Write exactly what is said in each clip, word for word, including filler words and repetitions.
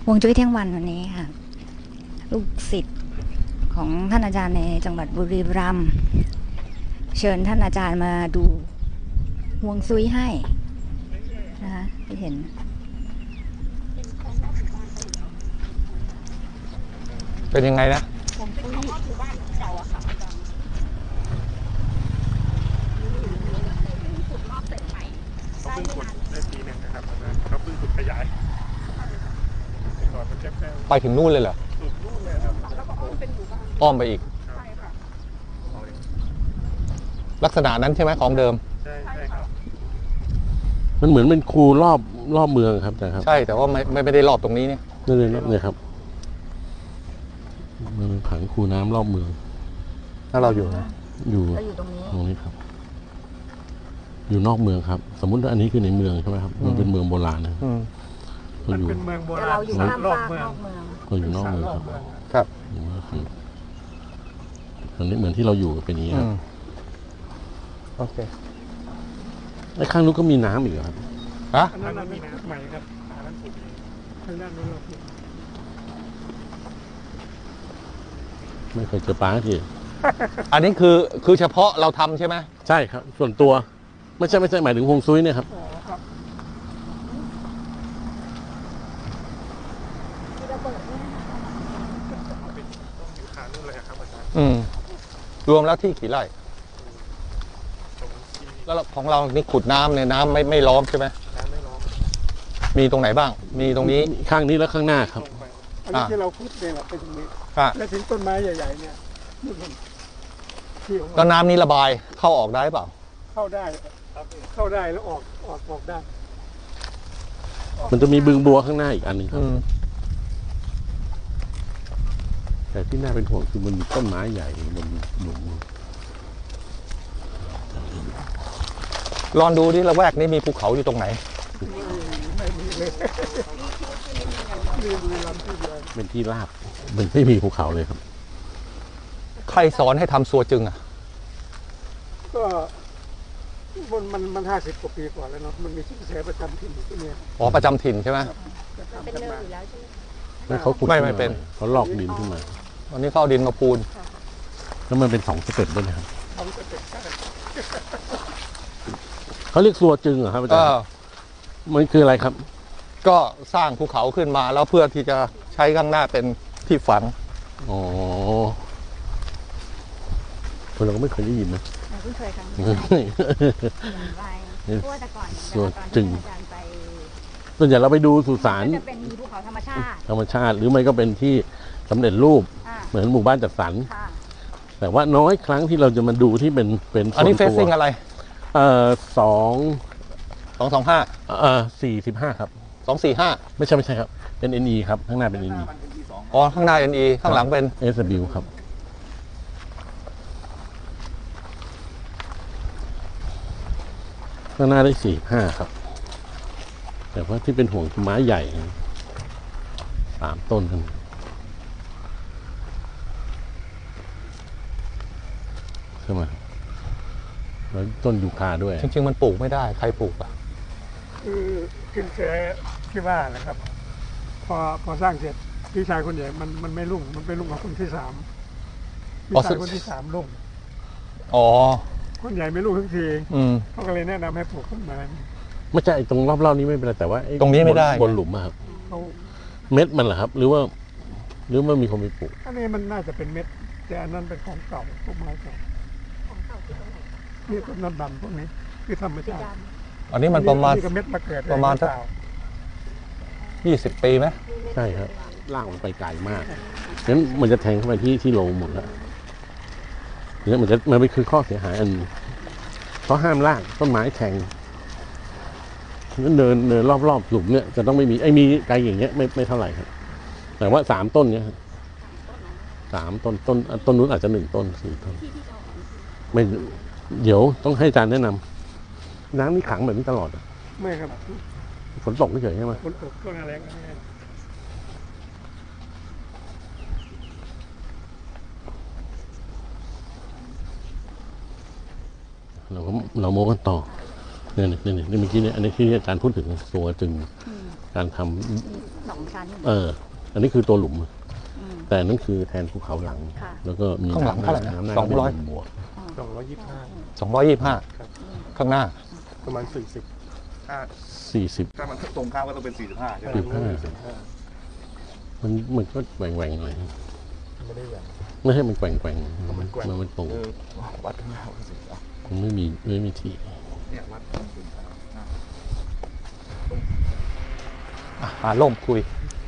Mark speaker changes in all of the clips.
Speaker 1: ฮวงจุ้ยเที่ยงวันวันนี้ค่ะลูกศิษย์ของท่านอาจารย์ในจังหวัดบุรีรัมย์เชิญท่านอาจารย์มาดูฮวงซุยให้นะคะที่เห็น
Speaker 2: เป็นยังไงนะ
Speaker 3: ฮวงซุยหมู่บ้านเก่าอะค่ะขุดรอบเสร็จใหม่เขาเพิ่งขุดได้ปีหนึ่งนะครับเขาเพิ่งขุดขยายก่อนมันแคบๆ
Speaker 2: ไปถึงนู่นเลยเหรอ
Speaker 3: สุดนู่นเลยครับแล้วก็อ้อมเป็นหมู่บ้าน
Speaker 2: อ้อมไปอีก
Speaker 3: ใช่ค่ะ
Speaker 2: ลักษณะนั้นใช่ไหมของเดิม
Speaker 3: ใช่ใช่ครับ
Speaker 4: มันเหมือนเป็นคูรอบรอบเมืองครับอาจารย์ครับ
Speaker 2: ใช่แต่ว่าไม่ไม่ได้รอบตรงนี้เนี่ย
Speaker 4: นี่เลยเนี่ยครับมันเป็นผังคูน้ำรอบเมือง
Speaker 2: ถ้าเราอยู่นะ
Speaker 4: อยู่
Speaker 1: เราอยู่ตรงนี้
Speaker 4: ตรงนี้ครับอยู่นอกเมืองครับสมมุติว่าอันนี้คือในเมืองใช่ไหมครับมันเป็นเมืองโบราณนะ
Speaker 3: มันเป็นเมืองโบราณ
Speaker 1: เราอยู่ข้ามฟากนอกเมือง
Speaker 4: เราอยู่นอกเมืองครับ
Speaker 2: ครับ
Speaker 4: อันนี้เหมือนที่เราอยู่เป็นอย่างนี้ครับ
Speaker 2: โอเค
Speaker 4: ไอ้ข้างนู้นก็มีน้ำอีกครับ
Speaker 2: ฮะ
Speaker 3: อันนั้นมีน้ำใหม่ครับอันนั้นถูกข้างด้านนู้นเรา
Speaker 4: ไม่เคยเจอปลาที
Speaker 2: อันนี้คือคือเฉพาะเราทำใช่ไหม
Speaker 4: ใช่ครับส่วนตัวไม่ใช่ไม่ใช่หมายถึงฮวงซุยเนี่ยครับ
Speaker 2: อืมรวมแล้วที่กี่ไร่แล้วของเรานี่ขุดน้ำเนี่ยน้ำไม่ไม่ล้อมใช่ไหม
Speaker 3: น้ำไม่ล้อม
Speaker 2: มีตรงไหนบ้างมีตรงนี้
Speaker 4: ข้างนี้แล้วข้างหน้าครับ
Speaker 3: อันนี้ที่เราขุดเนี่ยแหละเป็นตรงนี้และถึงต้นไม้ใหญ่ๆเนี่ย
Speaker 2: แล้วน้ำนี้ระบายเข้าออกได้เปล่า
Speaker 3: เข้าได้เข้าได้แล้วออกออกออกได้
Speaker 4: มันจะมีบึงบัวข้างหน้าอีกอันนึงครับแต่ที่น่าเป็นห่วงคือมันมีต้นไม้ใหญ่บนหลุม
Speaker 2: ลองดูดิละแวกนี้มีภูเขาอยู่ตรงไหน
Speaker 4: เป็นที่ราบมันไม่มีภูเขาเลยครับ
Speaker 2: ใครสอนให้ทำซัวจึงอ่ะ
Speaker 3: ก็มันมันมันห้าสิบกว่าปีก่อนแล้วเนาะมันมีชื่อแสประจำถิ่นที่นี่
Speaker 2: อ๋อประจำถิ่นใช่ไหม
Speaker 1: เป็นเนินอยู่แล้วใช่ไหม
Speaker 4: ไม่เขาขุด
Speaker 2: ไม่ไม่เป็น
Speaker 4: เขาลอกดินขึ้นมา
Speaker 2: ตอนนี้เขาเอาดินมาปูน
Speaker 4: แล้วมันเป็นสองสเต็ปด้วยนะครับเขาเรียกซัวจึงเหรอครับอาจารย์มันคืออะไรครับ
Speaker 2: ก็สร้างภูเขาขึ้นมาแล้วเพื่อที่จะใช้ข้างหน้าเป็นที่ฝัง
Speaker 4: อ๋อเราก็ไม่เคยได้ยินนะ
Speaker 1: เพิ่งเคยครั้งเพราะว่าแต่ก่อน
Speaker 4: ซัวจึงส่วนใหญ่เราไปดูสุสาน
Speaker 1: จะเป็นภูเขาธรรมชาติ
Speaker 4: ธรรมชาติหรือไม่ก็เป็นที่สำเร็จรูปเหมือนหมู่บ้านจัดสรรแต่ว่าน้อยครั้งที่เราจะมาดูที่เป็นเป็น
Speaker 2: อันนี้เฟซซิ่งอะไร
Speaker 4: เอ่อสอง
Speaker 2: สองสองห้า
Speaker 4: เอ่อสี่สิบห้าครับ
Speaker 2: สองสี่ห้า
Speaker 4: ไม่ใช่ไม่ใช่ครับเป็น เอ็น อี ครับข้างหน้าเป็น เอ็น อี
Speaker 2: อ๋อข้างหน้า เอ็น อี ข้างหลังเป็น
Speaker 4: เอส ดับเบิลยู ครับข้างหน้าได้สี่ห้าครับแต่ว่าที่เป็นห่วงคือไม้ใหญ่สามต้นกันใช่ไหมแล้วต้นยูคาด้วย
Speaker 2: จริงๆมันปลูกไม่ได้ใครปลูกอ่ะ
Speaker 3: คือขึ้นแสที่ว่านะครับพอพอสร้างเสร็จพี่ชายคนใหญ่มันมันไม่รุ่งมันไปรุ่งกับคนที่สามพี่ชายคนที่สามรุ่ง
Speaker 2: อ๋อ
Speaker 3: คนใหญ่ไม่รุ่งทุกทีเขาก็เลยแนะนำให้ปลูกต้นไม้
Speaker 4: ไม่ใช่ตรงรอบๆนี้ไม่เป็นไรแต่ว่า
Speaker 2: ตรงนี้ไม่ได้
Speaker 4: บนหลุมครับเม็ดมันเหรอครับหรือว่าหรือว่ามีคนไปปลูก
Speaker 3: อันนี้มันน่าจะเป็นเม็ดแต่อันนั้นเป็นของเก่าพวกไม้เก่านี่ต้นน้ำดำพวกนี้คือธรรมชาติ
Speaker 2: อันนี้มันประมาณ
Speaker 3: ประมาณสัก
Speaker 2: ยี่สิบปีไหม
Speaker 4: ใช่ครับล่างมันไปไกลมากงั้นมันจะแทงเข้าไปที่ที่โลหมดแล้วเนี่ยมันจะมันเป็นคือข้อเสียหายอันเพราะห้ามล่างต้นไม้แทงนั้นเดินเดินรอบๆหลุมเนี่ยจะต้องไม่มีไอ้มีไกลอย่างเงี้ยไม่ไม่เท่าไหร่ครับแต่ว่าสามต้นเนี้ยสามต้นต้นต้นนู้นอาจจะหนึ่งต้นสี่ต้นไม่เดี๋ยวต้องให้อาจารย์แนะนำน้ำนี่ขังแบบนี้ตลอด
Speaker 3: ไม่ครับ
Speaker 4: ฝนตกไม่เฉยใช่ไหม
Speaker 3: ฝนตกก็แรง
Speaker 4: เราก็เราโม้กันต่อเนี่ยเนี่ยเนี่ยเมื่อกี้เนี่ยอันนี้ที่อาจารย์พูดถึงซัวจึงการทำ
Speaker 1: มีสองชั้น
Speaker 4: เออ อันนี้คือตัวหลุม
Speaker 1: ม
Speaker 4: แต่นั่นคือแทนภูเขาหลัง
Speaker 1: ค่ะ
Speaker 4: แล้วก็มี
Speaker 2: ข้างหลังเท่าไหร่นะ
Speaker 4: น้ำหน้า
Speaker 2: สองร้อย
Speaker 4: เป็นบวก
Speaker 3: สองร้อยยี่สิบห้า
Speaker 2: สองร้อยยี่สิบห้าข้างหน้า
Speaker 3: ประมาณสี่สิบ
Speaker 5: ถ้า
Speaker 4: สี่สิบ
Speaker 5: ถ้ามันตรงข้ามก็ต้องเป็นสี่สิบห้าใช่ไหม
Speaker 4: สิบห้ามันมันก็แหว่งๆหน่อย
Speaker 3: ไม่ได้อย่าง
Speaker 4: ไม่ให้มันแกว่งแกว่งๆ
Speaker 3: มันแกว่ง
Speaker 4: มันมันตรง
Speaker 5: เออวัดข้างหน้าว่าสี่สิบห้า
Speaker 4: มันไม่มีไม่มีที่
Speaker 5: เนี่ยวัดสี่สิบห้า
Speaker 2: อ่ะหาล่มคุย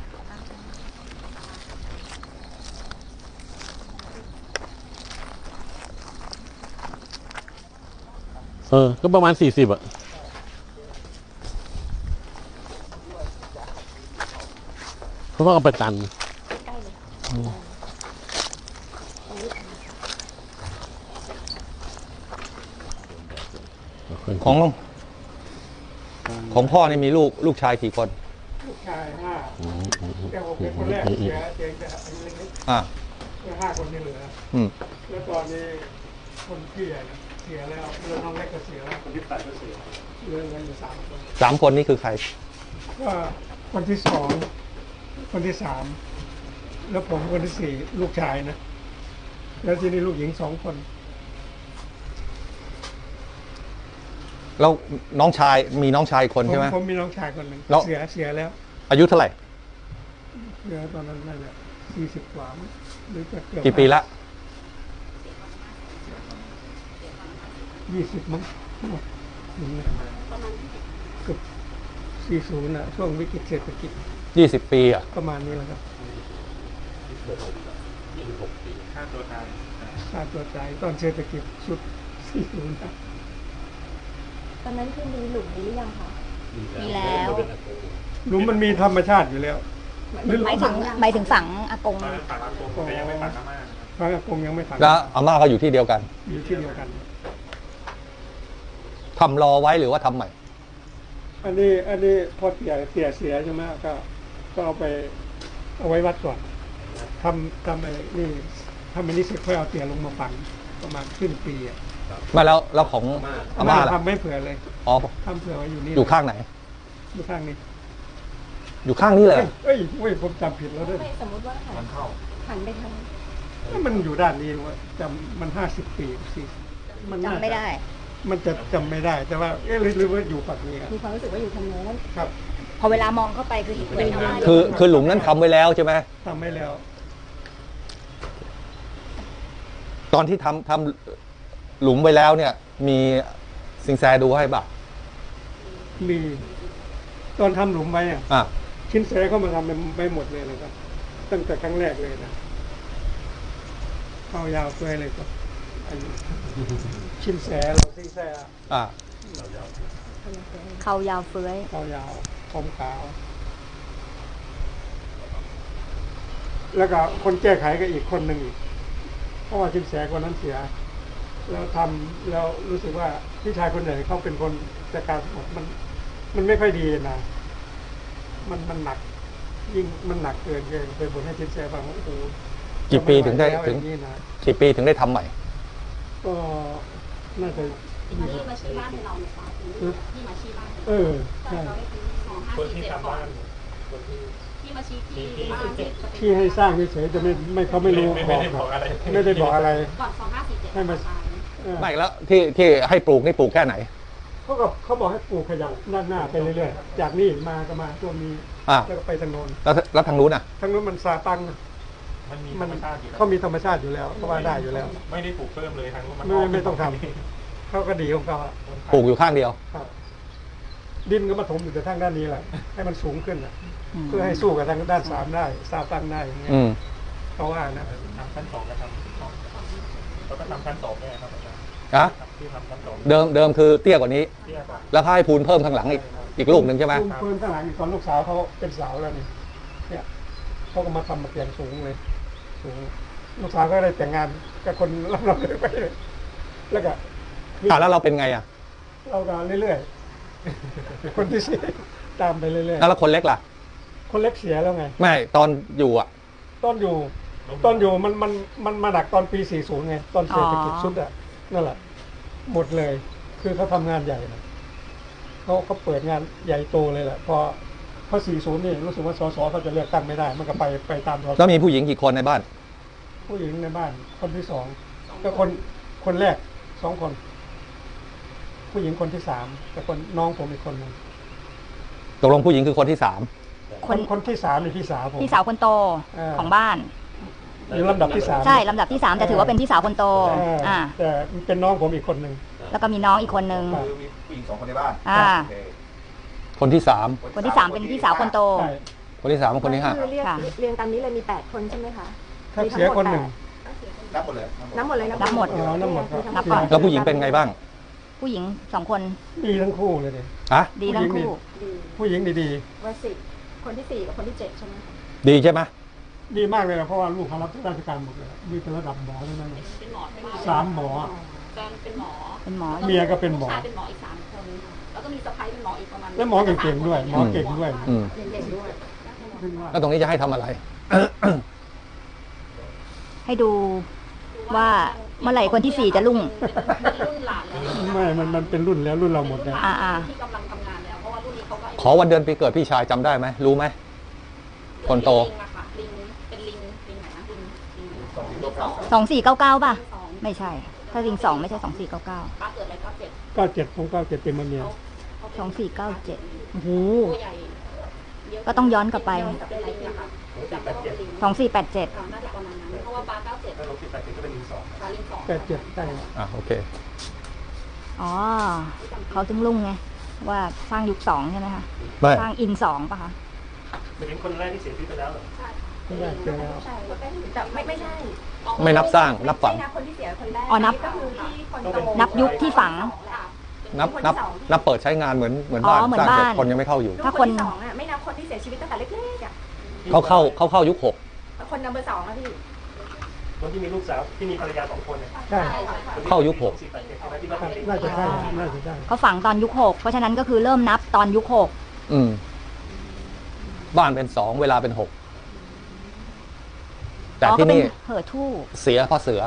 Speaker 4: เออ ก็ประมาณสี่สิบอะเพราะว่าเอาไปตัน
Speaker 2: ของของพ่อนี่มีลูกลูกชายกี่คน
Speaker 3: ลูกชายห้า
Speaker 4: อืมอืมอืม
Speaker 3: แต่ผมเป็นคนแรกเสียเสียแต่อายุเล็ก
Speaker 2: อ่า
Speaker 3: ๆแล้วห้าคนที่เหลือ
Speaker 2: อืม
Speaker 3: แล้วตอนนี้คนพี่ใหญ่นะเสียแล้วเรือน้องเล็กก็เสียแล้วคนที่ตายก็เสียเหลือเงินอยู่สามคน
Speaker 2: สามคนนี่คือใคร
Speaker 3: ก็คนที่สองคนที่สามแล้วผมคนที่สี่ลูกชายนะแล้วทีนี้ลูกหญิงสองคน
Speaker 2: แล้วน้องชายมีน้องชายคน
Speaker 3: ผม
Speaker 2: ใช่ไหม
Speaker 3: ผมมีน้องชายคนหนึ่ง
Speaker 2: แล้ว
Speaker 3: เสียเสียแล้ว
Speaker 2: อายุเท่าไหร่
Speaker 3: เสียตอนนั้นนั่นแหละสี่สิบกว่ามั้งหรือจะเกือบ
Speaker 2: กี่ปีละ
Speaker 3: ยี่สิบมั้งถึงเลยเกือบสี่ศูนย์นะช่วงวิกฤตเศรษฐกิจ
Speaker 2: ยี่สิบปีอ่ะ
Speaker 3: ประมาณนี้แหละครับ
Speaker 5: ค่าตัวตาย
Speaker 3: ค่าตัวตายตอนเศรษฐกิจสุดสี่ศูนย์นะ
Speaker 6: ตอนนั้นคือมีหลุมนี้หรือยังคะ
Speaker 1: มีแล้ว
Speaker 3: หลุมมันมีธรรมชาติอยู่แล้ว
Speaker 1: หมายถึงหมายถึงฝังอากง
Speaker 5: ตอนนั้นปากอากงแต่ยังไม่ปากอาม่านะครับ
Speaker 3: พระอากงยังไม่ฝัง
Speaker 2: แล้วอาม่าก็อยู่ที่เดียวกัน
Speaker 3: อยู่ที่เดียวกัน
Speaker 2: ทำรอไว้หรือว่าทำใหม่
Speaker 3: อันนี้อันนี้พอเสียเสียเสียใช่ไหมก็ก็เอาไปเอาไว้วัดก่อนทำทำไอ้นี่ทำอันนี้เสร็จค่อยเอาเตียลงมาฝังประมาณครึ่งปีอ่ะ
Speaker 2: มาแล้วแล้วของอาม่าล่ะ
Speaker 3: ทำไม่เผื่อเลย
Speaker 2: อ๋อ
Speaker 3: ทำเผื่อไว้อยู่นี่
Speaker 2: อยู่ข้างไหน
Speaker 3: อยู่ข้างนี้
Speaker 2: อยู่ข้างนี้เลย
Speaker 3: เอ้ยเอ้ยเว้ยผมจำผิดแล้วด้วย
Speaker 6: ไม่สมมติว่าหันหันไปทาง
Speaker 3: มันอยู่ด้านนี้ว่าจำมันห้าสิบปีสิมันน่า
Speaker 1: จำไม่ได้
Speaker 3: มันจะจำไม่ได้ แต่ว่าเอ๊ะหรือหรือว่าอยู่ฝั่งนี้ครับ
Speaker 6: มีความรู้สึกว่าอยู่ทางโน้น
Speaker 3: ครับ
Speaker 1: พอเวลามองเข้าไปคือเห็นเลยว่า
Speaker 2: คือคือหลุมนั้นทำไว้แล้วใช่ไหม
Speaker 3: ทำไม่แล้ว
Speaker 2: ตอนที่ทำทำหลุมไว้แล้วเนี่ย มีสิงแซดูให้ป่ะ
Speaker 3: มีตอนทำหลุมไว้อะ
Speaker 2: อ่ะ
Speaker 3: ชิ้นแสเข้ามาทำไม่หมดเลยนะครับ ตั้งแต่ครั้งแรกเลยนะเข้ายาวเปื่อยเลยครับอันนี้ชิ้นแสเราชิ้นแส
Speaker 2: อ่ะ
Speaker 1: เขายาวเฟ้ย
Speaker 3: เข้ายาวผมขาว แล้วก็คนแก้ไขก็อีกคนหนึ่งอีกเพราะว่าชิ้นแสคนนั้นเสีย แล้วทำแล้วรู้สึกว่าพี่ชายคนไหนเขาเป็นคนจัดการหมดมัน มันไม่ค่อยดีนะ มันมันหนัก ยิ่งมันหนักเกินเกินไปบนให้ชิ้นแสฟังว่าโอ้โห
Speaker 2: กี่ปีถึงได้
Speaker 3: จะม่หวแล้ว
Speaker 2: ถึง
Speaker 3: อย่างนี้นะ
Speaker 2: กี่ปีถึงได้ทำใหม่
Speaker 3: ก็น่าจะ
Speaker 6: ที่มาชี้บ้านให้เราเนี่ยค่ะที่มาชี้บ้าน
Speaker 3: เออใช่
Speaker 6: สองห้าสี่เจ็ดก่อนที่มาชี้ที่บ้านเสร็จ
Speaker 3: ที่ให้สร้างเฉยๆจะไม่ไม่เขาไม่รู้บอกไม่ได้บอกอะไร
Speaker 6: ก่อนสองห้าสี่เจ็ด
Speaker 3: ให้มาเออ
Speaker 2: ไม่แล้วที่ที่ให้ปลูกนี่ปลูกแค่ไหน
Speaker 3: เขาก็เขาบอกให้ปลูกขยับหน้าหน้าไปเรื่อยๆจากนี่มาก็มาตัวมี
Speaker 2: อ่ะ
Speaker 3: แล้วก็ไปทางโน้น
Speaker 2: แล้วแล้วทางนู้นอ่ะ
Speaker 3: ทางโน้นมันซาตัง
Speaker 5: มันมีธ
Speaker 3: มั
Speaker 5: ร
Speaker 3: น
Speaker 5: รมชาติอยู่แล้ว
Speaker 3: เขามีธรรมชาติอยู่แล้วเขาว่าได้อยู่แล้ว
Speaker 5: ไม่ได้ปลูกเพิ่มเลยทางนู้นมัน
Speaker 3: ไม่ไม่ต้องทำเขาก็ดีของเขาอะ
Speaker 2: ปลูกอยู่ข้างเดียว
Speaker 3: ครับ ดินก็มาถมอยู่แต่ทางด้านนี้แหละให้มันสูงขึ้นอะเพื่อให้สู้กับทางด้านสามได้ซาตังได้อย่างเงี้ย
Speaker 2: อืม
Speaker 3: เขาว่านะ
Speaker 5: ทำชั้นสองก็ทำแล้วก็ทำชั้นสองด้วยครับอาจารย์
Speaker 2: อะ
Speaker 5: ที่ทำชั้นสอง
Speaker 2: เดิมเดิมคือเตี้ยกว่านี้
Speaker 5: เตี้ยกว่า
Speaker 2: แล้วเขาให้พูนเพิ่มข้างหลังอีกอีกลูกหนึ่งใช่ไหม
Speaker 3: ลูกปืนข้างหลังอีกตอนลูกสาวเขาเป็นสาวแล้วนี่เนี่ยเขาก็มาทำมาเปลี่ยนสูงเลยสูงลูกสาวก็ได้แต่งงานกับคนรับเราเลยไปเลยแล้วก็
Speaker 2: อ่ะแล้วเราเป็นไงอ่ะ
Speaker 3: เราก็เรื่อยๆ คนที่สี่ตามไปเรื่อย
Speaker 2: แล้วคนเล็กล่ะ
Speaker 3: ๆ คนเล็กเสียแล้วไง
Speaker 2: ไม่ตอนอยู่อ่ะ
Speaker 3: ตอนอยู่ตอนอยู่มันมันมันมาดักตอนปีสี่สิบไง ตอนเศรษฐกิจสุดอ่ะนั่นแหละ หมดเลย คือเขาทำงานใหญ่นะเขาเขาเปิดงานใหญ่โตเลยแหละ พอพอสี่สิบนี่รู้สึกว่าสสเขาจะเลือกตั้งไม่ได้มันก็ไปไปตามสส
Speaker 2: แล้วมีผู้หญิงกี่คนในบ้าน
Speaker 3: ผู้หญิงในบ้านคนที่สองก็คนคนแรกสองคน ผู้หญิงคนที่สามแต่คนน้องผมอีกคนหนึ่ง
Speaker 2: ตกลงผู้หญิงคือคนที่สาม
Speaker 3: คน คนที่สามนี่พี่สาวผม
Speaker 1: พี่สาวคนโต
Speaker 3: เออ
Speaker 1: ของบ้าน
Speaker 3: อยู่ลำดับที่สาม
Speaker 1: ใช่ลำดับที่สามแต่ถือว่าเป็นพี่สาวคนโต
Speaker 3: เออ
Speaker 1: อ่า
Speaker 3: แต่เป็นน้องผมอีกคนหนึ่ง
Speaker 1: แล้วก็มีน้องอีกคนนึง
Speaker 7: คือมีผู้หญิงสองคนในบ้าน
Speaker 1: อ่า
Speaker 7: โอเค
Speaker 2: คนที่สาม
Speaker 1: คนที่สามเป็นพี่สาวคนโต
Speaker 3: ใช่
Speaker 2: คนที่สามกับคนที่ห้า
Speaker 6: คือเรียก
Speaker 1: ค่ะ
Speaker 6: เรียงตามนี้เลยมีแปดคนใช่ไหมคะ
Speaker 3: ถ้าเสียคนหนึ่ง
Speaker 7: นับหมดเลย
Speaker 6: นับหมดเลย
Speaker 1: นับหมด
Speaker 3: อ๋อนับหมดครับ
Speaker 1: นับก่อน
Speaker 2: แล้วผู้หญิงเป็นไงบ้าง
Speaker 1: ผู้หญิงสองคน
Speaker 3: ดีทั้งคู่เลยเนี่ย
Speaker 2: ฮะ
Speaker 1: ดีทั้งคู่
Speaker 6: ดี
Speaker 3: ผู้หญิงดี
Speaker 6: ว่าสิบคนที่สี่กับคนที่เจ็ดใช่ไหมคะ
Speaker 2: ดีใช่ไหม
Speaker 3: ๆดีมากเลยนะเพราะว่าลูกเขารับราชการหมดเลยมีเป็นระดับหมอเลยนะ
Speaker 8: เป็นหมอใช่ไหม
Speaker 3: สามหมอ
Speaker 8: แฟนเป็นหมอ
Speaker 1: เป็นหมอ
Speaker 3: เมียก็เป็นหมอ
Speaker 8: ลูชายเป็นหมออีกสามคน แล้วก็มีสะใภ้เป็นหมออีกประมาณ
Speaker 3: แล้วหมอเก่งๆด้วยหมอเก่งด้วย
Speaker 2: อืม
Speaker 6: เก่งๆด้วย
Speaker 2: แล้วตรงนี้จะให้ทำอะไร
Speaker 1: ให้ดูว่าเมื่อไหร่คนที่สี่จะรุ่ง
Speaker 8: เป็นรุ่นหลานแล้ว
Speaker 3: ไม่มันมันเป็นรุ่นแล้วรุ่นเราหมดแล้ว
Speaker 1: อ่าอ่า
Speaker 8: ที่กำลังทำงานแล้ว เพราะว่ารุ่นนี้เขาก็
Speaker 2: ขอวันเดือนปีเกิดพี่ชายจำได้ไหมรู้ไหม คนโต
Speaker 8: ลิงอะค่ะลิงเป็นลิงลิงไหนนะลิงลิงสองสอง
Speaker 1: สองสี่เก้าเก้าป่ะ
Speaker 8: สอง
Speaker 1: ไม่ใช่ ถ้าริงสองไม่ใช่สองสี่เก้าเก้า
Speaker 8: ป้าเกิดอะไรก็เจ็ด
Speaker 3: เก้าเจ็ดผมเก้าเจ็ดเต็มมาเมีย
Speaker 1: สองสี่เก้าเจ็ดโอ้โห
Speaker 8: ตัวใหญ่เยะ
Speaker 1: ก็ต้องย้อนกลับไป
Speaker 8: ย้อนกลับไปลิงอะค่ะจำได้ว่าเป็นลิง
Speaker 1: สองสี่แปดเจ็ด
Speaker 8: น่าจะประมาณนั้น เพราะว่าป้าเก้าเจ็ด
Speaker 5: ถ้าลบสิบแปดสิบก็เป็นหนึ่งสอง
Speaker 8: ป้าลิงสอง
Speaker 3: แปดเจ็ดได้
Speaker 2: อ่ะโอเค
Speaker 1: อ๋อ เขาถึงรุ่งไง ว่าสร้างยุคสองใช่ไหมคะ
Speaker 2: ไม่
Speaker 1: สร้างอินสองป่ะคะ
Speaker 5: เป็นถึงคนแรกที่เสียชีวิตไปแล้วเหรอ
Speaker 3: ไม่ได้เจอแล้ว
Speaker 6: ใช่แต่ไม่ไม่ใช่
Speaker 2: ไม่นับสร้างนับฝัง
Speaker 6: ไม่นับคนที่เสียคนแรก
Speaker 1: อ๋อนับ
Speaker 6: ก็คือที่คนโต
Speaker 1: นับยุคที่ฝัง
Speaker 2: นับนับนับเปิดใช้งานเหมือนเหมือน
Speaker 1: อ๋อ
Speaker 2: บ้าน
Speaker 1: เหมือน
Speaker 2: สร้างเสร็จ
Speaker 1: บ้าน
Speaker 2: คนยังไม่เข้าอยู่
Speaker 6: ลูก
Speaker 1: ถ้า
Speaker 6: ค
Speaker 1: คน
Speaker 6: นที่สองอ่ะไม่นับคนที่เสียชีวิตตั้งแต่เล็กๆอ่ะ
Speaker 2: เขาเข้าเขาเข้ายุคหก
Speaker 6: คนนับเบอร์สองอ่ะพี่
Speaker 5: คนที่มีลูกสาวที่มีภรรยาสองคนเนี่ย
Speaker 3: ใช่
Speaker 2: เข้ายุคหก
Speaker 5: สิบแปดเจ็ดใช่ไหมที่ว่า
Speaker 3: ครับ
Speaker 5: เป็น
Speaker 3: น่าจะใช่น่าจะใช่
Speaker 1: เขาฝังตอนยุคหกเพราะฉะนั้นก็คือเริ่มนับตอนยุคหก
Speaker 2: อืม บ้านเป็นสองเวลาเป็นหกแต่
Speaker 1: อ๋อ
Speaker 2: ที่
Speaker 1: ก็เป็น
Speaker 2: นี่
Speaker 1: เหอทู่
Speaker 2: เสียเพราะเสือ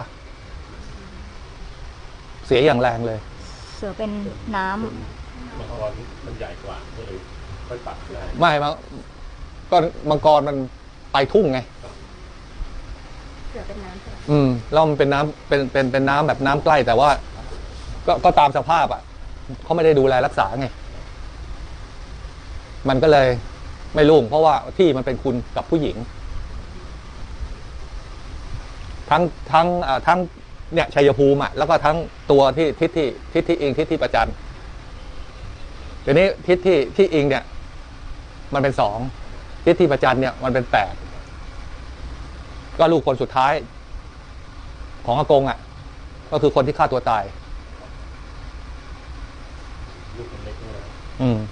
Speaker 2: เสียอย่างแรงเลย
Speaker 1: เสือเป็นน้ำ
Speaker 4: มังกรมันใหญ่กว่าก็เลยค่อยปรับได้
Speaker 2: ไม่มาก็มังกรมันไปทุ่งไง
Speaker 6: เสือเป็นน้ำใช่ไหม
Speaker 2: อืมแล้วมันเป็นน้ำเป็นเป็นเป็นน้ำแบบน้ำใกล้แต่ว่า ก็ก็ตามสภาพอ่ะเขาไม่ได้ดูแลรักษาไง มันก็เลยไม่รุ่งเพราะว่าที่มันเป็นคุณกับผู้หญิง ทั้งทั้งอ่าทั้งเนี่ยชัยภูมิอ่ะแล้วก็ทั้งตัวที่ทิศที่ทิศที่อิงทิศที่ประจันเดี๋ยวนี้ทิศที่ที่อิงเนี่ย มันเป็นสองทิศที่ประจันเนี่ยมันเป็นแปดก็ลูกคนสุดท้าย ของอากงอ่ะ ก็คือคนที่ฆ่าตัวตาย
Speaker 4: ลูกคนเล็กเนี่ย
Speaker 2: อืม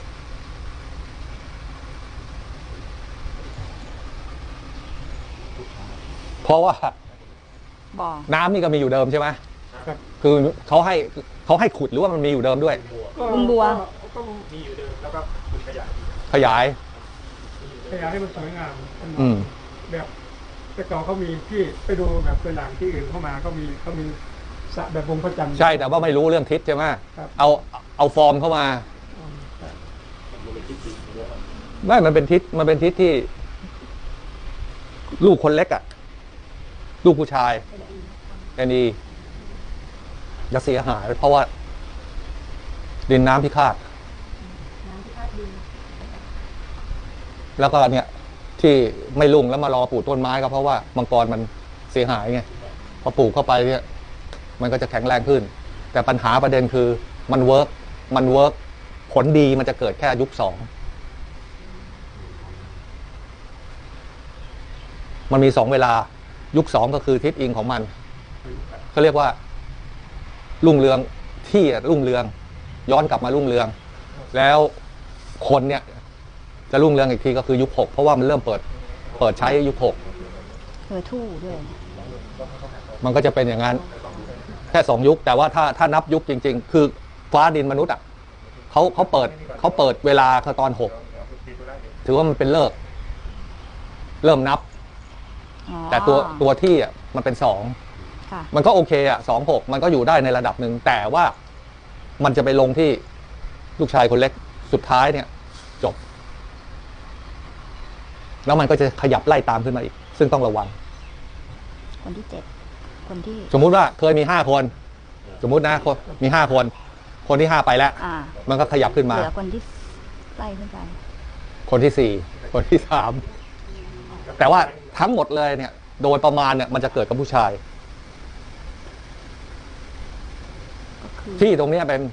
Speaker 2: เพราะว่า
Speaker 1: บ่อ
Speaker 2: น้ำนี่ก็มีอยู่เดิมใช่ไหม
Speaker 3: ครับ
Speaker 2: คือเขาให้เขาให้ขุดหรือว่ามันมีอยู่เดิมด้วย
Speaker 1: ลุงบัว
Speaker 3: ก็
Speaker 5: มีอยู่เดิมแล้วก็คุณขยาย
Speaker 2: ขยาย
Speaker 3: ขยายให้มันสวยงามเป็น
Speaker 2: อืม
Speaker 3: แบบแต่ก่อนเขามีที่ไปดูแบบตัวอย่างที่อื่นเข้ามาเขามีเขามีสระแบบวงพระจันทร์
Speaker 2: ใช่แต่ว่าไม่รู้เรื่องทิศใช่ไหม
Speaker 3: ครับ
Speaker 2: เอาเอาฟอร์มเข้ามา
Speaker 3: อืมใช่
Speaker 4: มันเป็นทิศจริงด้วย
Speaker 2: ไม่มันเป็นทิศมันเป็นทิศที่ ลูกคนเล็กอะ่ะ ลูกผู้ชายแอนนีจะเสียหาย เพราะว่า ดินน้ำพิฆาต
Speaker 6: น้ำที่คาดดิน
Speaker 2: แล้วก็เนี่ย ที่ไม่รุ่งแล้วมารอปลูกต้นไม้ก็เพราะว่ามังกรมันเสียหายไงพอปลูกเข้าไปเนี่ย มันก็จะแข็งแรงขึ้น แต่ปัญหาประเด็นคือมันเวิร์กมันเวิร์กผลดีมันจะเกิดแค่ยุคสองมันมีสองเวลา ยุคสองก็คือทิศอิงของมันเขาเรียกว่า รุ่งเรืองที่รุ่งเรือง ย้อนกลับมารุ่งเรือง แล้วคนเนี่ย จะรุ่งเรืองอีกทีก็คือยุคหกเพราะว่ามันเริ่มเปิด เปิดใช้ยุคหก
Speaker 1: เหอทู่ด้วย
Speaker 2: มันก็จะเป็นอย่างนั้น แค่สองยุค แต่ว่าถ้าถ้านับยุคจริง ๆ คือฟ้าดินมนุษย์อ่ะเขาเขาเปิดเขาเปิดเวลาคือตอนหกถือว่ามันเป็นเลิก เริ่มนับ
Speaker 1: อ๋อ
Speaker 2: แต่ตัวตัวที่อ่ะมันเป็นสอง
Speaker 1: ค่ะ
Speaker 2: มันก็โอเคอ่ะสองหกมันก็อยู่ได้ในระดับหนึ่งแต่ว่ามันจะไปลงที่ลูกชายคนเล็กสุดท้ายเนี่ย จบแล้วมันก็จะขยับไล่ตามขึ้นมาอีก ซึ่งต้องระวัง
Speaker 1: คนที่เจ็ดคนที่
Speaker 2: สมมุติว่าเคยมีห้าคน สมมุตินะคนมีห้าคน คนที่ห้าไปแล้ว
Speaker 1: อ่า
Speaker 2: มันก็ขยับขึ้นมา
Speaker 1: เหลือคนที่ไล่ขึ้นไป
Speaker 2: คนที่สี่คนที่สามแต่ว่าทั้งหมดเลยเนี่ย โดยประมาณเนี่ยมันจะเกิดกับผู้ชาย
Speaker 1: ก็คือ
Speaker 2: ที่ตรงเนี้ยเป็น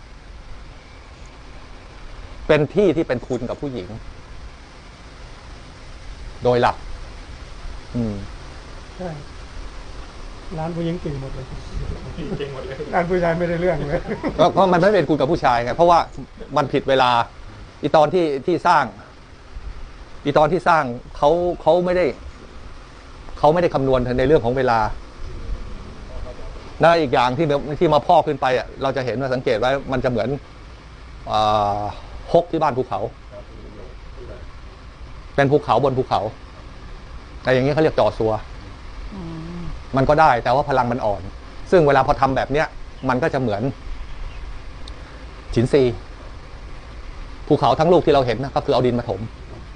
Speaker 2: เป็นที่ที่เป็นคุณกับผู้หญิง โดยหลัก อืม
Speaker 3: ใช่ร้านผู้หญิงเก่งหมดเลย
Speaker 5: เก่งหมดเลย
Speaker 3: ร้านผู้ชายไม่ได้เรื่องเลย
Speaker 2: ก็เพราะมันไม่เป็นคุณกับผู้ชายไงเพราะว่ามันผิดเวลา อีตอนที่ที่สร้าง อีตอนที่สร้างเขาเขาไม่ได้เขาไม่ได้คำนวณในเรื่องของเวลาและอีกอย่างที่ที่มาพอกขึ้นไปอ่ะเราจะเห็นว่าสังเกตไว้มันจะเหมือนอ่าฮกที่บ้านภูเขา เป็นภูเขาบนภูเขา แต่อย่างนี้เขาเรียกจ่อซัว
Speaker 1: อืม
Speaker 2: มันก็ได้แต่ว่าพลังมันอ่อน ซึ่งเวลาพอทำแบบเนี้ยมันก็จะเหมือนฉินซีภูเขาทั้งลูกที่เราเห็นนะก็คือเอาดินมาถม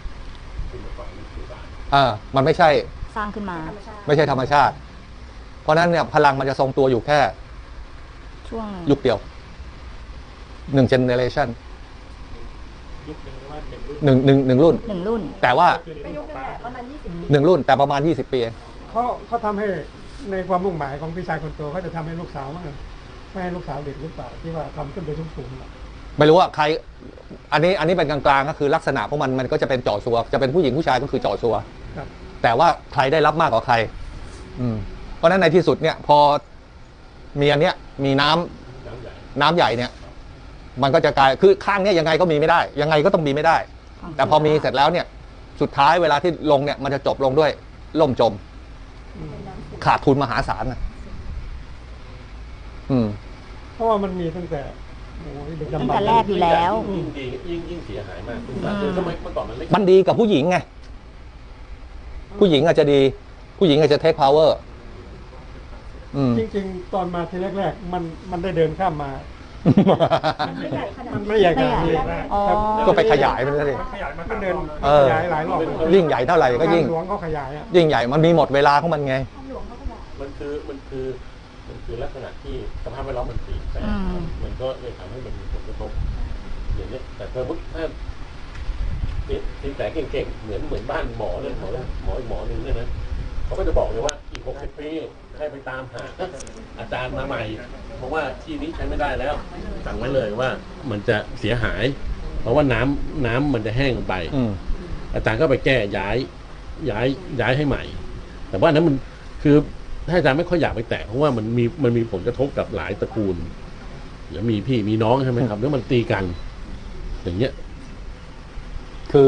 Speaker 2: อ่ามันไม่ใช่
Speaker 1: สร้างขึ้นมา
Speaker 2: ไม่ใช่ธรรมชาติ เพราะฉะนั้นเนี่ยพลังมันจะทรงตัวอยู่แค่
Speaker 1: ช่วง
Speaker 2: ยุคเดียวหนึ่งเจเนเรชัน
Speaker 5: ยุคหนึ่งหรือว่าหนึ่งรุ่น
Speaker 2: หนึ่งหนึ่งหนึ่งรุ่น
Speaker 1: หนึ่งรุ่น
Speaker 2: แต่ว่า
Speaker 5: คือในยุคป้า
Speaker 8: ประมาณยี่สิบปี
Speaker 2: หนึ่งรุ่น แต่ประมาณยี่สิบปีเอง
Speaker 3: เขาเขาทำให้ในความมุ่งหมายของพี่ชายคนโตเขาจะทำให้ลูกสาวมั้งไม่ให้ลูกสาวเด็กหรือเปล่าที่ว่าทำขึ้นไปสูงๆอะ
Speaker 2: ไม่รู้ว่าใคร อันนี้อันนี้เป็นกลางๆก็คือลักษณะของมันมันก็จะเป็นจ่อซัว จะเป็นผู้หญิงผู้ชายก็คือจ่อซัว
Speaker 3: ครับ
Speaker 2: แต่ว่าใครได้รับมากกว่าใคร อืม เพราะฉะนั้นในที่สุดเนี่ย พอมีอันเนี้ยมีน้ำน้ำใหญ่เนี่ย มันก็จะกลายคือข้างเนี้ยยังไงก็มีไม่ได้ ยังไงก็ต้องมีไม่ได้ แต่พอมีเสร็จแล้วเนี่ย สุดท้ายเวลาที่ลงเนี่ยมันจะจบลงด้วยล่มจม
Speaker 3: อืม
Speaker 2: ขาดทุนมหาศาลนะอืม
Speaker 3: เพราะว่ามันมีตั้งแต่โอ้ยเด็ก
Speaker 1: ตั้ง
Speaker 3: ดำบร
Speaker 1: แต่
Speaker 3: รพ์
Speaker 1: แรกอยู่แล้ว
Speaker 4: ยิ่งดียิ่งยิ่งเสียหายมากคุณตาคือสมัยเมื่อก่อนมันเล็ก
Speaker 2: มันดีกับผู้หญิงไง ผู้หญิงอาจจะดี ผู้หญิงอาจจะเทคพาวเวอร์ อืม
Speaker 3: จริงๆ ตอนมาทีแรกๆ มันมันได้เดินข้ามมา
Speaker 8: มันไม่ใหญ่ขนาด
Speaker 3: มันไม่ใหญ่ขนาดนี้
Speaker 1: อ๋อ
Speaker 3: ครับ
Speaker 2: ก็ไปขยายมันซะดิ
Speaker 5: ขยายมา
Speaker 3: มันเดิน
Speaker 2: เออ
Speaker 3: ขยายหลายรอบเลย
Speaker 2: ยิ่งใหญ่เท่าไหร่ก็ยิ่ง
Speaker 3: ทาหลวงเขาขยายอ่ะ
Speaker 2: ยิ่งใหญ่ มันมีหมดเวลาของมันไง
Speaker 4: มันคือมันคือมันคือลักษณะที่สภาพแวดล้อมมันเปลี่ยนแปลง
Speaker 1: อืม
Speaker 4: มันก็เลยทำให้มันมีผลกระทบอย่างนี้ยแต่ถ้าถ้าสินแสเก่งๆเหมือนเหมือนบ้านหมอเลยหมอหมออีกหมอหนึ่งเนี่ยนะเขาก็จะบอกเลยว่าอีกหกสิบปีให้ไปตามหาอาจารย์มาใหม่เพราะว่าที่นี้ใช้ไม่ได้แล้วสั่งไว้เลยว่ามันจะเสียหาย เพราะว่าน้ำน้ำมันจะแห้งลงไป
Speaker 2: อืม
Speaker 4: อาจารย์ก็ไปแก้ย้ายย้ายย้ายให้ใหม่ แต่ว่านั้นมันคือถ้าอาจารย์ไม่ค่อยอยากไปแตะเพราะว่ามันมีมันมีผลกระทบกับหลายตระกูลเดี๋ยวมีพี่มีน้องใช่ไหมครับแล้วมันตีกัน อย่างเงี้ย
Speaker 2: คือ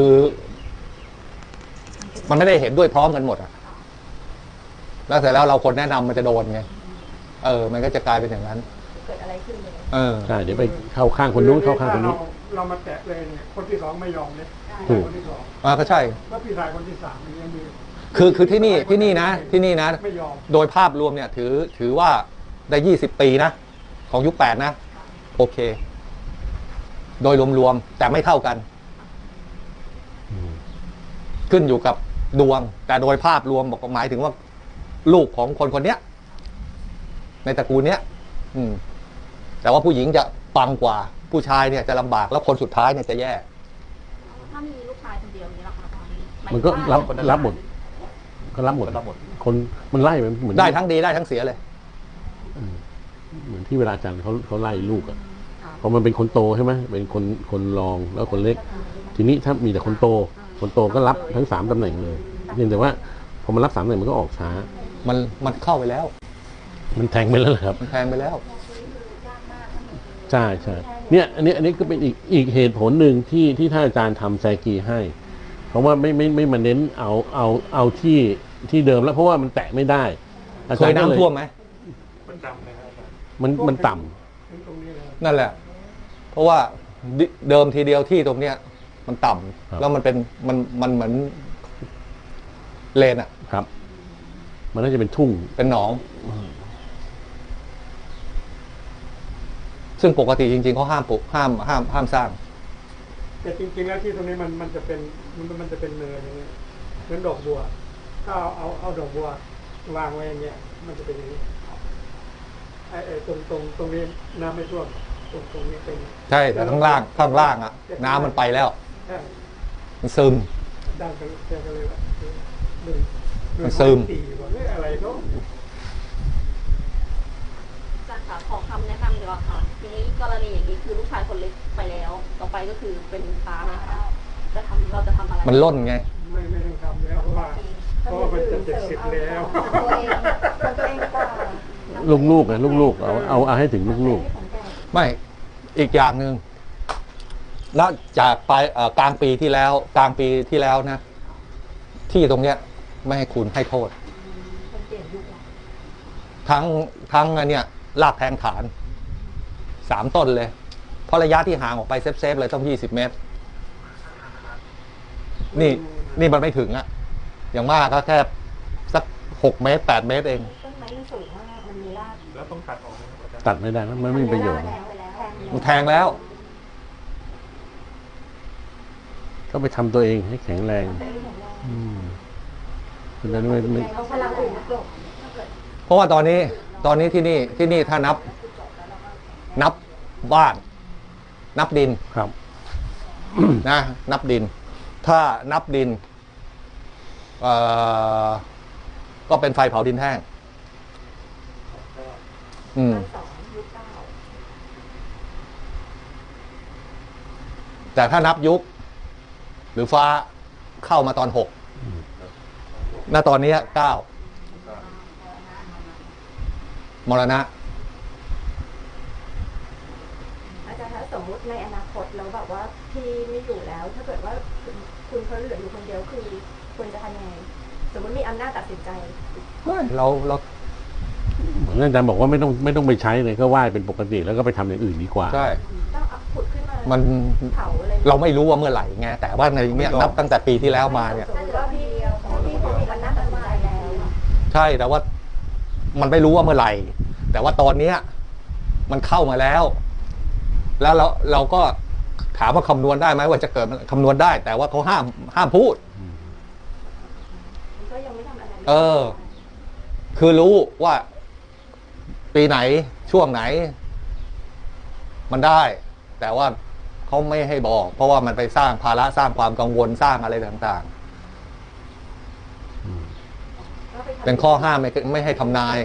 Speaker 2: มันไม่ได้เห็นด้วยพร้อมกันหมดอะแล้วเสร็จแล้วเราคนแนะนำมันจะโดนไง เออ มันก็จะกลายเป็นอย่างนั้น
Speaker 8: เกิดอะไรขึ้นเลย
Speaker 2: เออ
Speaker 4: ใช่เดี๋ยวไปเข้าข้างคนนู้นเข้าข้างคนนี้
Speaker 3: เราเรามาแตะเลยเนี่ยคนที่สองไม่ยอมเลย
Speaker 4: ถูก
Speaker 3: คนที่สอง
Speaker 2: อ่าก็ใช่
Speaker 3: แล้วพี่ชายคนที่สามนี่ยังมี
Speaker 2: คือคือที่นี่ที่นี่นะที่นี่นะ
Speaker 3: ไม่ยอม
Speaker 2: โดยภาพรวมเนี่ย ถือถือว่าได้ยี่สิบปีนะ ของยุคแปดนะ โอเค โดยรวมๆแต่ไม่เท่ากัน ขึ้นอยู่กับดวง แต่โดยภาพรวมบอกหมายถึงว่า ลูกของคนคนเนี้ย ในตระกูลเนี้ย อืม แต่ว่าผู้หญิงจะปังกว่า ผู้ชายเนี่ยจะลำบากแล้วคนสุดท้ายเนี่ยจะแย่
Speaker 8: ถ้ามีลูกชายคนเดียวนี้หรอคะหาย
Speaker 4: มันก็
Speaker 8: ถึง
Speaker 4: รับ
Speaker 8: ว่า
Speaker 4: รับหมด ก็รับหมด
Speaker 7: รับหมด
Speaker 4: คนมันไล่ไปเหมือน
Speaker 2: ได้ทั้งดีได้ทั้งเสียเลย
Speaker 4: เหมือนที่เวลาอาจารย์เขาเขาไล่ลูกอ่ะพอมันเป็นคนโตใช่ไหมเป็นคนคนรองแล้วคนเล็ก ทีนี้ถ้ามีแต่คนโต คนโตก็รับทั้งสามตำแหน่งเลยเพียงแต่ว่าพอมันรับสามตำแหน่งมันก็ออกช้า
Speaker 2: มันมันเข้าไปแล้ว
Speaker 4: มันแทงไปแล้วเหรอครับ
Speaker 2: มันแทงไปแล้ว
Speaker 4: ใช่ใช่เนี่ยอันนี้อันนี้ก็เป็นอีกอีกเหตุผลหนึ่งที่ที่ท่านอาจารย์ทำแซกีให้ เพราะว่าไม่ไม่ไม่มาเน้นเอาเอาเอาที่ที่เดิมแล้วเพราะว่ามันแตะไม่ได้อา
Speaker 2: เค
Speaker 4: จาร
Speaker 2: ย
Speaker 4: ย์ก็เลย
Speaker 2: น้ำท่วมไหม
Speaker 5: มันจำนะครับ
Speaker 4: มันมันต่
Speaker 3: ถึงตรงนี้เลย
Speaker 2: นั่นแหละ เพราะว่าดิเดิมทีเดียวที่ตรงเนี้ย มันต่ำแล้วมันเป็นมันมันเหมือนเลนอะ
Speaker 4: ำครับ มันน่าจะเป็นทุ่ง
Speaker 2: เป็นหนอง ซึ่งปกติจริงๆเขาห้ามปลูกห้ามห้ามห้ามสร้าง
Speaker 3: แต่จริงๆแล้วที่ตรงนี้มันมันจะเป็นมันมันจะเป็นเนินอย่างเงี้ยเหมือนดอกบัวถ้าเอาเอาเอาดอกบัววางไว้อย่างเงี้ยมันจะเป็นอย่างนี้ไอ้ไอ้ตรงตรงตรงนี้น้ำไม่ท่วมตรงตรงนี้เป็น
Speaker 2: ใช่แต่ข้างล่างข้างล่างอ่ะ น้ำมันไปแล้ว
Speaker 3: ใช่
Speaker 2: มันซึม
Speaker 3: ด้านกันแกก็เลยว่าหนึ่ง
Speaker 2: มันซึม
Speaker 3: ตีว่าเอ้ยอะไรเนาะ
Speaker 8: อาจารย์ค่ะขอคำแนะนำดีกว่าค่ะทีนี้กรณีอย่างนี้คือลูกชายคนเล็กไปแล้ว ต่อไปก็คือเป็นฟ้าไหมคะจะทำเราจะทำอะไร
Speaker 2: มันล่นไง
Speaker 3: ไม่ไม่ต้องทำแล้วเพราะว่าเพราะว่ามันจะเจ็ดสิบแล้ว
Speaker 6: ตัวเองก่อน
Speaker 4: ลูกๆนะลูกๆเอาเอาเอาให้ถึงลูก
Speaker 2: ไม่อีกอย่างหนึ่งแล้วจากปลายเอ่อกลางปีที่แล้ว กลางปีที่แล้วนะ ที่ตรงเนี้ย ไม่ให้คุณให้โทษ ทั้งทั้งอันเนี้ยลากแทงฐานสามต้นเลย เพราะระยะที่ห่างออกไปเซฟๆเลยต้องยี่สิบเมตร นี่นี่มันไม่ถึงอะอย่างมากก็แค่สักหกเมตรแปดเมตรเอง
Speaker 6: ต้นไม้มันสูงมากมันมีราก
Speaker 5: แล้วต้องตัดออกไหมครับอาจารย์
Speaker 4: ๆ ตัดไม่ได้นะมันไม่มีประโยชน์
Speaker 6: แล้วไปแล้ว
Speaker 2: มันแทงแล้ว
Speaker 4: ก็ไปทำตัวเองให้แข็งแรงอืมเพราะฉะนั้นไม่ไม่
Speaker 6: เอาพลังอื่นมากลบ
Speaker 2: เพราะว่าตอนนี้ตอนนี้ที่นี่ที่นี่ถ้านับ นับบ้าน นับดิน
Speaker 4: ครับ
Speaker 2: นะนับดิน ถ้านับดินเอ่อก็เป็นไฟเผาดินแห้งอืม
Speaker 6: สองยุคเก้า
Speaker 2: แต่ถ้านับยุค หรือฟ้าเข้ามาตอนหกณตอนนี้เก้ามรณะ
Speaker 6: อาจารย์คะสมมุติในอนาคตแล้วแบบว่าพี่ไม่อยู่แล้ว ถ้าเกิดว่าคุณคุณเขาเหลืออยู่คนเดียวคือควรจะทำยังไงสมมติมีอำนาจตัดสินใจ
Speaker 2: เราเรา
Speaker 4: เหมือนอาจารย์บอกว่าไม่ต้องไม่ต้องไปใช้เลยก็ไหว้เป็นปกติแล้วก็ไปทำอย่างอื่นดีกว่า
Speaker 2: ใช่
Speaker 6: ต้องเอาขุดขึ้นมา
Speaker 2: มัน
Speaker 6: เผาเลย
Speaker 2: เราไม่รู้ว่าเมื่อไหร่ไงแต่ว่าในเนี้ยนับตั้งแต่ปีที่แล้วมาเนี่ย
Speaker 6: สมมติว่าพี่พี่เขามีอำนาจตัดสินใจแล้ว
Speaker 2: ใช่แต่ว่ามันไม่รู้ว่าเมื่อไหร่ แต่ว่าตอนเนี้ย มันเข้ามาแล้ว แล้วเราเราก็ถามว่าคำนวณได้ไหมว่าจะเกิดคำนวณได้ แต่ว่าเขาห้ามห้ามพูด
Speaker 6: ก็ยังไม่ทำอะไร
Speaker 2: เออ คือรู้ว่า ปีไหนช่วงไหน มันได้ แต่ว่าเขาไม่ให้บอก เพราะว่ามันไปสร้างภาระสร้างความกังวลสร้างอะไรต่าง ๆ เป็นข้อห้ามไม่ไม่ให้ทำนาย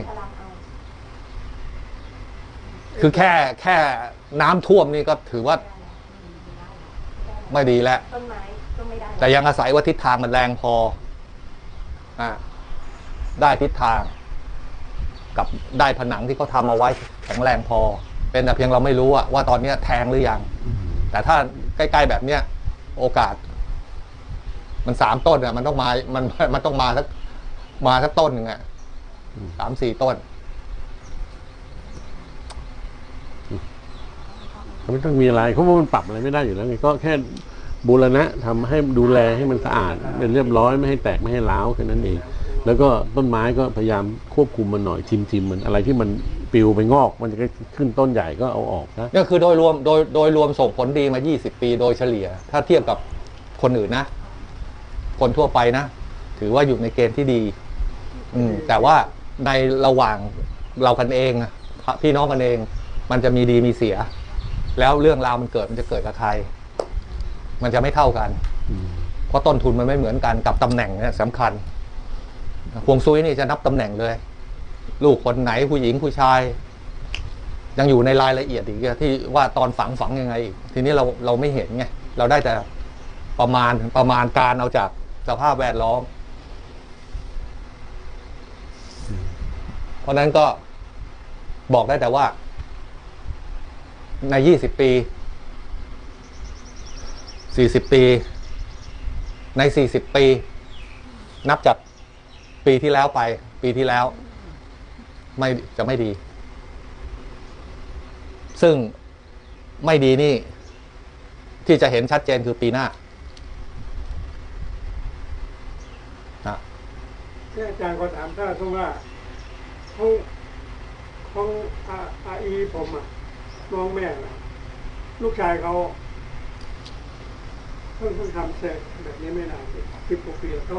Speaker 2: คือแค่แค่น้ำท่วมนี่ก็ถือว่าไม่ดีแล้ว
Speaker 6: ต้นไม้ก็ไม่ได้
Speaker 2: แต่ยังอาศัยว่าทิศทางมันแรงพออ่ะได้ทิศทาง กับได้ผนังที่เขาทำเอาไว้แข็งแรงพอ เป็นแต่เพียงเราไม่รู้อะว่าตอนเนี้ยแทงหรือยัง แต่ถ้าใกล้ๆแบบเนี้ยโอกาส มันสามต้นอะมันต้องมา มันมันต้องมาสักมาสักต้นหนึ่งอะสามสี่ต้น
Speaker 4: ไม่ต้องมีอะไรเพราะว่ามันปรับอะไรไม่ได้อยู่แล้วไงก็แค่บูรณะทำให้ดูแลให้มันสะอาดเป็นเรียบร้อยไม่ให้แตกไม่ให้ร้าวแค่นั้นเอง แล้วก็ต้นไม้ก็พยายามควบคุมมันหน่อยทิมทิมมันอะไรที่มันปลิวไปงอก มันจะขึ้นต้นใหญ่ก็เอาออกนะ
Speaker 2: นี่คือโดยรวมโดยโดยรวมส่งผลดีมายี่สิบปีโดยเฉลี่ย ถ้าเทียบกับคนอื่นนะ คนทั่วไปนะ ถือว่าอยู่ในเกณฑ์ที่ดี อืม แต่ว่าในระหว่างเรากันเองอะพี่น้องกันเอง มันจะมีดีมีเสีย แล้วเรื่องราวมันเกิดมันจะเกิดกับใคร มันจะไม่เท่ากัน เพราะต้นทุนมันไม่เหมือนกันกับตำแหน่งเนี่ยสำคัญฮวงซุยนี่จะนับตำแหน่งเลย ลูกคนไหนผู้หญิงผู้ชาย ยังอยู่ในรายละเอียดอีกที่ว่าตอนฝังฝังยังไงอีกทีนี้เราเราไม่เห็นไงเราได้แต่ประมาณประมาณการเอาจากสภาพแวดล้อม เพราะนั้นก็บอกได้แต่ว่า ในยี่สิบปี สี่สิบปี ในสี่สิบปี นับจากปีที่แล้วไป ปีที่แล้ว ไม่จะไม่ดี ซึ่งไม่ดีนี่ ที่จะเห็นชัดเจนคือปีหน้านะ
Speaker 3: ที่อาจารย์ก็ถามถ้าสมมติว่าของของอาอาอีผมอ่ะน้องแม่นะลูกชายเขาเพิ่งเพิ่งทำเสร็จแบบนี้ไม่นานสิบกว่าปีแล้วเขา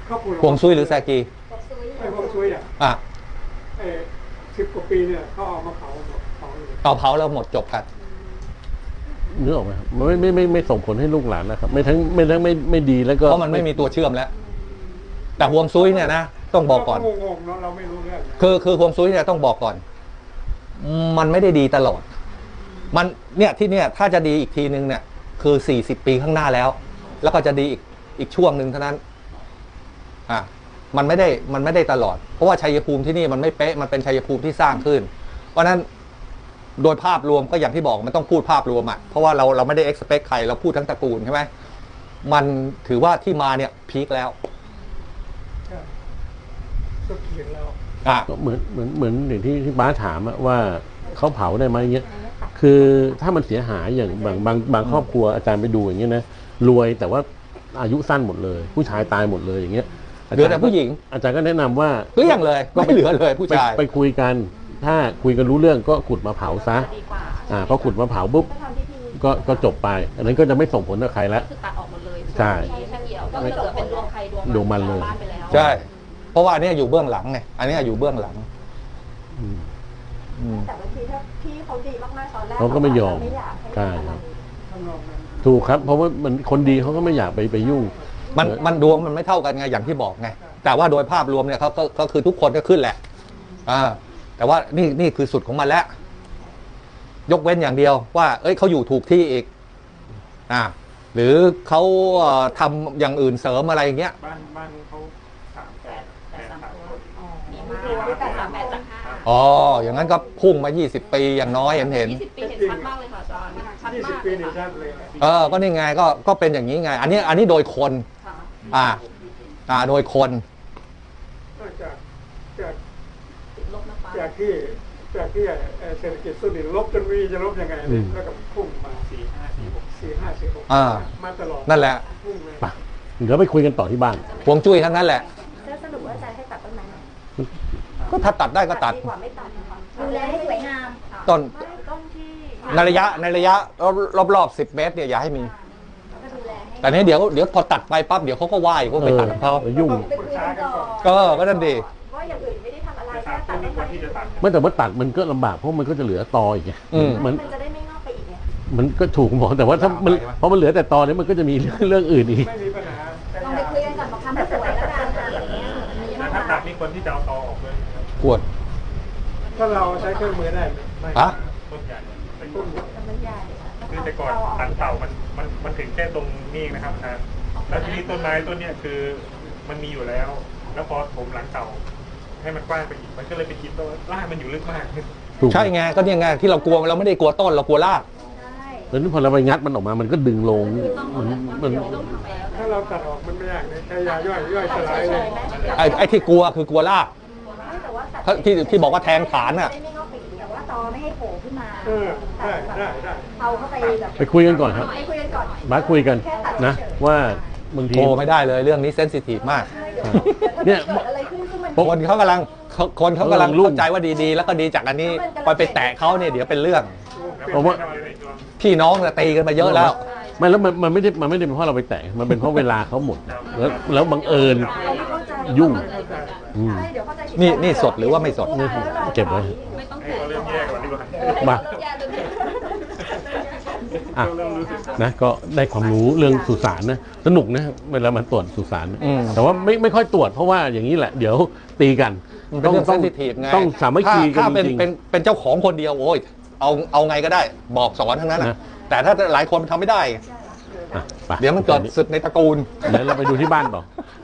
Speaker 3: เขาปลูก
Speaker 2: ฮวงซุยหรือแซกี
Speaker 3: ไอ้พวกซุยอ่ะ
Speaker 2: อ่ะ
Speaker 3: ไอ้สิบกว่าปีเนี่ยเขาเอามาเผาหมดเผาเลย
Speaker 2: เอาเผาแล้วหมดจบกัน
Speaker 4: นึกออกไหมครับมันไม่ไม่ไม่ไม่ส่งผลให้ลูกหลานนะครับ ไม่ทั้งไม่ทั้งไม่ไม่ดีแล้วก็
Speaker 2: เพราะมันไม่มีตัวเชื่อมแล้ว แต่ฮวงซุยเนี่ยนะต้องบอกก่อน
Speaker 3: เรางงๆเนาะเราไม่รู้เรื่องนะ
Speaker 2: คือคือฮวงซุยเนี่ยต้องบอกก่อน มันไม่ได้ดีตลอด มันเนี่ยที่เนี่ยถ้าจะดีอีกทีนึงเนี่ย คือสี่สิบปีข้างหน้าแล้ว แล้วก็จะดีอีกอีกช่วงหนึ่งเท่านั้น อ่ะมันไม่ได้มันไม่ได้ตลอด เพราะว่าชัยภูมิที่นี่มันไม่เป๊ะมันเป็นชัยภูมิที่สร้างขึ้น เพราะฉะนั้นโดยภาพรวมก็อย่างที่บอกมันต้องพูดภาพรวมอ่ะเพราะว่าเราเราไม่ได้ expect ใครเราพูดทั้งตระกูลใช่ไหมมันถือว่าที่มาเนี่ยพีคแล้ว
Speaker 3: ใช่สุดขีดแล้ว
Speaker 2: อ่ะ
Speaker 4: ก็เหมือนเหมือนเหมือนอย่างที่ที่บ้าสถามอะว่าเขาเผาได้ไหมเงี้ยคือถ้ามันเสียหายอย่างบางบางบางครอบครัวอาจารย์ไปดูอย่างเงี้ยนะรวยแต่ว่าอายุสั้นหมดเลย ผู้ชายตายหมดเลยอย่างเงี้ย
Speaker 2: เหลือแต่ผู้หญิง
Speaker 4: อาจารย์ก็แนะนำว่า
Speaker 2: เกลี้ยงเลยไม่เหลือเลยผู้
Speaker 4: ไป
Speaker 2: ชาย
Speaker 4: ไปคุยกัน ถ้าคุยกันรู้เรื่องก็ขุดมาเผาซะ
Speaker 8: ดีกว่า
Speaker 4: อ่าพอขุดมาเผาปุ๊บ
Speaker 6: ก็ทำพิธี
Speaker 4: ก็ก็จบไป อันนั้นก็จะไม่ส่งผลกับใครแล้ว
Speaker 8: คือตัดออกหมดเลย
Speaker 4: ใช่
Speaker 8: แค่เดียวก็เหลือเป็นดวงใครดวง
Speaker 4: ดวงมันเลย
Speaker 8: บ้านไปแล้ว
Speaker 2: ใช่ เพราะว่าอันเนี้ยอยู่เบื้องหลังไงอันเนี้ยอยู่เบื้องหลัง
Speaker 4: อืม
Speaker 2: อืม
Speaker 6: แต่บางทีถ้าพี่เขาดีมากๆตอนแรก
Speaker 4: เขาก็ไม่ยอม
Speaker 6: ไม่อยากให้
Speaker 4: ใช่ครับ
Speaker 3: ข้างนอกนั้น
Speaker 4: ถูกครับ เพราะว่ามันคนดีเขาก็ไม่อยากไปไปยุ่ง
Speaker 2: มันมันดวงมันไม่เท่ากันไงอย่างที่บอกไงแต่ว่าโดยภาพรวมเนี่ยเขาก็ก็คือทุกคนก็ขึ้นแหละอ่าแต่ว่านี่นี่คือสุดของมันแล้ว ยกเว้นอย่างเดียวว่า เอ้ยเขาอยู่ถูกที่อีกอ่าหรือเขาเอ่อทำอย่างอื่นเสริมอะไรอย่างเงี้ย
Speaker 5: บ้านบ้านเขาสามแปดแปดสามคน
Speaker 8: ดีมากแต่สามแปดจากห้า
Speaker 2: อ๋ออย่างนั้นก็พุ่งมายี่สิบปีอย่างน้อยเห็นเห็น
Speaker 8: ยี่สิบปีเห็นชัดมากเลยค่ะอาจารย์ชัด
Speaker 3: ยี่สิบ
Speaker 8: มาก
Speaker 3: ปี
Speaker 8: เลย
Speaker 3: นี่
Speaker 8: ค่ะ
Speaker 3: ชัดเลยนะ
Speaker 2: เออก็นี่ไงก็ก็เป็นอย่างนี้ไง อันนี้อันนี้โดยคน
Speaker 8: ค่ะ
Speaker 2: อ่า อ่าโดยคน
Speaker 3: จากจาก
Speaker 8: ติดลบนะฟ้า
Speaker 3: จากที่จากที่เอ่อเศรษฐกิจสุดนี่ลบจนวีจะลบยังไง
Speaker 4: อื
Speaker 3: เนี่ย
Speaker 4: ม
Speaker 3: แล้วก็พุ่งมา
Speaker 5: สี่ห้าสี่หก
Speaker 3: สี่ห้าสี่หก
Speaker 2: อ่า
Speaker 3: มาตลอด
Speaker 2: นั่นแหละ
Speaker 3: พุ่งเลย
Speaker 4: ไปเดี๋ยวไปคุยกันต่อที่บ้าน
Speaker 2: พวงจุ้ยทั้งนั้นแหละ
Speaker 6: แล้วสรุปว่าอาจารย์ให้ตัดต้นไม้ไหม
Speaker 2: ก็ถ้าตัดได้ก็ตัด
Speaker 6: ดีกว่าไม่ตัดนะคะ
Speaker 1: ดูแลให้สวยงาม
Speaker 2: ต้น
Speaker 6: ไม่ต้นที่
Speaker 2: ในระยะในระยะรอบรอบสิบเมตรเนี่ยอย่าให้มี
Speaker 1: ก็ดูแลให้
Speaker 2: แต่นี้เดี๋ยวเดี๋ยวพอตัดไปปั๊บเดี๋ยวเขาก็ว่ายก็ไปตัดของเขา
Speaker 4: เออยุ่ง
Speaker 1: ไปคุยกันต่อ
Speaker 2: ก็ก็นั่นดี
Speaker 6: ว่าอย่างอื่นไม่ได้ทำอะไร
Speaker 5: จะ
Speaker 6: แค่
Speaker 5: ถาม
Speaker 6: ตั
Speaker 5: ต้
Speaker 6: ด
Speaker 5: น
Speaker 6: ต้นไม้
Speaker 5: นี้คนที่จะตัด
Speaker 4: ไม่แต่ว่าตัดมันก็ลำบากเพราะมันก็จะเหลือตออีกไง
Speaker 2: อืม
Speaker 4: มัน
Speaker 6: มันจะได้ไม่งอกไปอีกไง
Speaker 4: มันก็ถูกหมอแต่ว่าถ้ามันเพราะมันเหลือแต่ตอเนี้มันก็จะมีเรื่องเรื่องอื่นอีก
Speaker 3: ไม่มีปัญหาแต่
Speaker 1: ลองไปคุยกันก่อนบอกทำให้สวยแล้วกันอะไรอย่างเงี้ย
Speaker 5: แต่ถ้าตัดนี่คนที่จะเอาตอออกเลยนะครับ
Speaker 2: ปวด
Speaker 3: ถ้าเราใช้เครื่องมือได้ไหมไม่
Speaker 2: ฮะ
Speaker 5: ต้นใหญ่เป็น
Speaker 3: ต้
Speaker 5: ต้
Speaker 3: น
Speaker 5: น
Speaker 6: แต่มันใหญ่
Speaker 5: คือแต่ก่อนหลังเต่ามันมันมันถึงแค่ตรงนี้นะครับอาจารย์แล้วที่นี่ต้นไม้ต้นเนี้ยคือมันมีอยู่แล้ว แล้วพอผมหลังเต่า ให้มันกว้างไปอีกมันก็เลยไปกินต้นรากมันอยู่ลึกมาก
Speaker 4: ถูก
Speaker 2: ใช่ไงก็เนี่ยไงที่เรากลัวเราไม่ได้กลัวต้นเรากลัวราก
Speaker 4: แล้วนี่พอเราไปงัดมันออกมามันก็ดึงลงมันมัน
Speaker 3: ถ้าเราตัดออกมันไม่ยากเลยใช้ยาย่อยย่อยสลายเลย
Speaker 2: ไอ้ไอ้ที่กลัวคือกลัวราก
Speaker 6: ไม่แต่ว่าตัด
Speaker 2: ถ้าที่ที่บอกว่าแทงฐานน่ะ
Speaker 6: ได้ไม่งอกไปอีก
Speaker 1: แต่ว่าตอไม่ให้โผล่ขึ้นมา
Speaker 3: เออได้ได้ได้
Speaker 1: เอาเข้าไปแบบ
Speaker 4: ไปคุยกันก่อนครับ
Speaker 6: ไปคุยกันก่อน
Speaker 4: มาคุยกันนะ ว่าบางที
Speaker 2: โทรไม่ได้เลยเรื่องนี้เซนซิทีฟมาก
Speaker 4: เนี่ย
Speaker 6: เกิดอะไรขึ้นซึ่งมัน
Speaker 2: คนเขากำลังเขาคนเขากำลัง
Speaker 4: รุ่ง
Speaker 2: เข้าใจว่าดีๆ แล้วก็ดีจากอันนี้ไปไปแตะเขาเนี่ยเดี๋ยวเป็นเรื่อง
Speaker 4: เพราะว่า
Speaker 2: พี่น้องเนี่ยตีกันมาเยอะแล้ว
Speaker 4: ไม่แล้วมันมันไม่ได้มันไม่ได้เป็นเพราะเราไปแตะมันเป็นเพราะเวลาเขาหมดแล้วแล้วบังเอิญ
Speaker 6: เราไม่เข้าใจ
Speaker 4: ยุ่ง อืม
Speaker 6: ใช่เดี๋ยวเข้าใจผิด
Speaker 2: นี่นี่สดหรือว่าไม่สด
Speaker 4: นี่เก็บไว้
Speaker 8: ไม่ต้อง
Speaker 5: ให้
Speaker 8: แตะ
Speaker 5: เขาเริ่มแยกก่อนดีกว่า
Speaker 4: มา
Speaker 8: แยกเลย
Speaker 4: อ่ะ
Speaker 5: เริ่มรู้สึก
Speaker 4: นะก็ได้ความรู้เรื่องสุสานนะสนุกนะเวลามันตรวจสุสาน
Speaker 2: อืม
Speaker 4: แต่ว่าไม่ไม่ค่อยตรวจเพราะว่าอย่างนี้แหละ เดี๋ยวตีกัน
Speaker 2: มันเป็นเรื่องเซนซิทีฟไง
Speaker 4: ต้องสามัคคีกัน
Speaker 2: ถ้า
Speaker 4: จ
Speaker 2: เป็น
Speaker 4: ริง
Speaker 2: เป็นเป็นเจ้าของคนเดียวโอ้ยเอาเอาไงก็ได้บอกสอนทั้งนั้น
Speaker 4: นะ
Speaker 2: นะแต่ถ้าหลายคนทำไม่ได้
Speaker 4: ๆอ่ะไป
Speaker 2: เดี๋ยวมันเกิดศึกในตระกูล
Speaker 4: เดี๋ยวเราไปดูที่บ้านต่อ